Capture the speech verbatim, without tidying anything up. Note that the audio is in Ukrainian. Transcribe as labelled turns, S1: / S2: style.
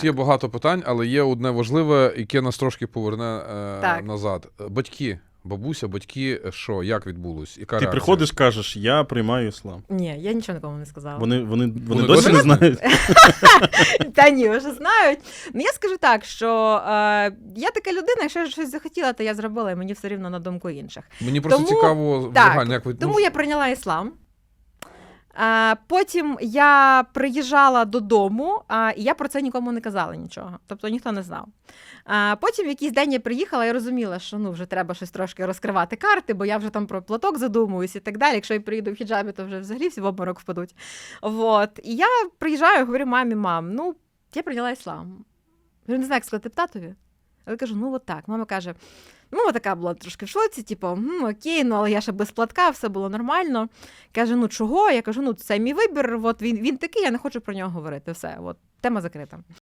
S1: Є багато питань, але є одне важливе, яке нас трошки поверне е,
S2: Так.
S1: назад. Батьки, бабуся, батьки, що, як відбулось? Яка
S3: Ти
S1: реакція?
S3: приходиш, кажеш, я приймаю іслам.
S2: Ні, я нічого нікому не сказала.
S3: Вони, вони, вони,
S1: Вони
S3: досі
S1: досі
S3: не знають?
S2: Та ні, вже знають. Ну, я скажу так, що е, я така людина, якщо я щось захотіла, то я зробила, і мені все рівно на думку інших.
S1: Мені просто
S2: Тому-
S1: цікаво,
S2: так,
S1: загально, як ви...
S2: Тому
S1: ну,
S2: я прийняла іслам. А, потім я приїжджала додому, а, і я про це нікому не казала нічого. Тобто ніхто не знав. А, потім в якийсь день я приїхала і розуміла, що ну, вже треба щось трошки розкривати карти, бо я вже там про платок задумуюсь і так далі. Якщо я приїду в хіджабі, то вже взагалі всі в обморок впадуть. Вот. І я приїжджаю і говорю мамі, мам, ну, я прийняла іслам. Я не знаю, як сказати татові. Але кажу, ну от так. Мама каже, ну, така була трошки в шоці, типу, «М, окей, ну, але я ще без платка, все було нормально. Каже, ну, чого? Я кажу, ну, це мій вибір, от він, він такий, я не хочу про нього говорити, все, от, тема закрита.